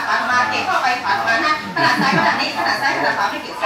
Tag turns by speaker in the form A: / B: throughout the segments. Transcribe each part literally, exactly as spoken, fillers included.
A: ขวามาเก่งเข้าไปขวามาฮะขนาดซ้ายขนาดนี้ขนาดซ้ายขนาดขวาไม่เกี่ยวกัน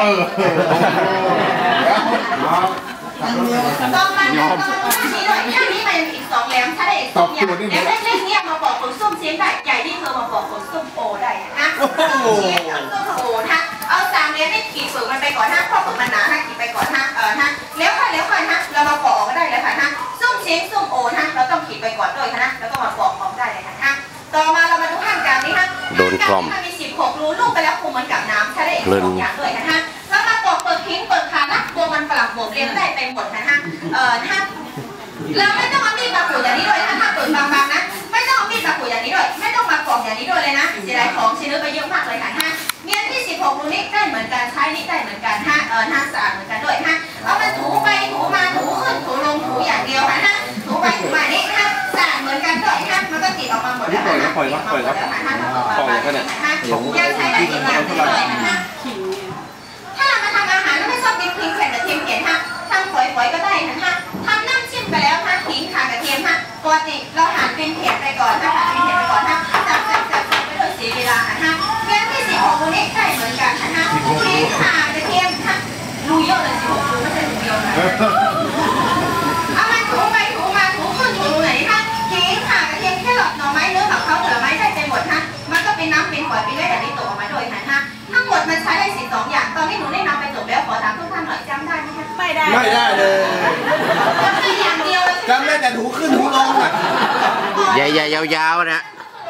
A: ต้องมันต้องมันนี้ด้วยท่านี้มันอีกสองแหลมถ้าได้อีกสองอย่างแหลมเล็กๆเนี่ยมาบอกผลส้มเสียงได้ใหญ่ที่เธอมาบอกผลส้มโอได้นะส้มเสียงส้มโอนะเอาสามเหลี่ยมให้ขีดฝืนมันไปก่อนนะเพราะฝืนมันหนาฮะขีดไปก่อนฮะเออฮะแล้วค่อยแล้วค่อยฮะเรามาปอกก็ได้เลยค่ะฮะส้มเสียงส้มโอนะเราต้องขีดไปก่อนด้วยนะแล้วก็มาปอกพร้อมได้เลยค่ะต่อมาเรามาดูห้างกลางนี้ฮะโดนกล่อมมีสิบหกรูลูกไปแล้วคงเหมือนกับน้ำถ้าได้อีกสองอย่างด้วยนะฮะแล้วมาปอกเปิดทิ้งเปิดขานะตัวมันฝรั่งบวกเลี้ยงได้ไปหมดนะฮะเออนะฮะเราไม่ต้องเอามีดมาขูดอย่างนี้ด้วยนะถ้าเปิดบางๆนะไม่ต้องเอามีดมาขูดอย่างนี้ด้วยไม่ต้องมาปอกอย่างนี้ด้วยเลยนะเสียดายของชิ้นเนื้อไปเยอะมากเลยค่ะฮะเมียนที่สิบหกรูนี้ได้เหมือนกันใช้นี่ได้เหมือนกันฮะเออห้าสะอาดเหมือนกันด้วยฮะเอามาถูไปถูมาถูขึ้นถูลงถูอย่างเดียวค่ะฮะถูไปถูมานี่ฮะสะอาดเหมือนกันด้วยฮะมันก็ติดออกมาหมดแล้วนะปล่อยแล้วปล่อยแล้วปล่อยแล้วฮะปล่อยแล้วฮะยังใช้ได้อีกอย่างนึงเลยนะฮะถ้าเรามาทำอาหารแล้วไม่ชอบกินพริกแผ่นกระเทียมเผ็ดฮะทำฝอยๆก็ได้นะฮะทำน้ำจิ้มไปแล้วฮะขิงข่ากระเทียมฮะปกติเราหั่นเป็นเผ็ดไปก่อนฮะหั่นเป็นเผ็ดไปก่อนฮะจับจับจับจับไปโดยเสียเวลาฮะเงี้ยที่สิบหกรูนี้ได้เหมือนกันฮะขิงข่ากระเทียมฮะรูเยอะเลยสิบหกรูไม่ใช่รูเดียวนะเอามาถูไปถูมาถูขึ้นถูรูไหนฮะขิงข่ากระเทียมแค่หลอดหน่อไม้เนื้อกับเขาผลไม้ได้ไปหมดฮะมันก็เป็นน้ำเป็นฝอยเป็นเลือดแบบนี้ตกออกมาโดยฮะฮะทั้งหมดมันใช้ได้สิบสองอย่างตอนนี้หนูได้นำไปจบแล้วขอถามทุกท่านหน่อยจำได้ไหมคะไม่ได้
B: ไม่ได้เลย
A: จำได้อย่างเดียวเลย
B: จำได้แต่ถูขึ้นถูลงอ่ะ
C: ใหญ่ๆยาวๆนะ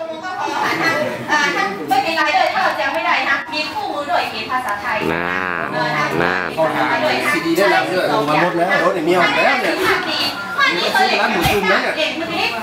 A: ไม่เป็นไรเลยถ้าเราจำไม่ได้นะมีคู่มือด้วยเขียนภาษาไทย
C: น่าน่า
B: ซีดีได้แล้วด้วยมาหมดแล้วรถเมียหมดแล้วเนี่ย
A: ข้อนี้เคยเรียนเด็กเมื่อกี้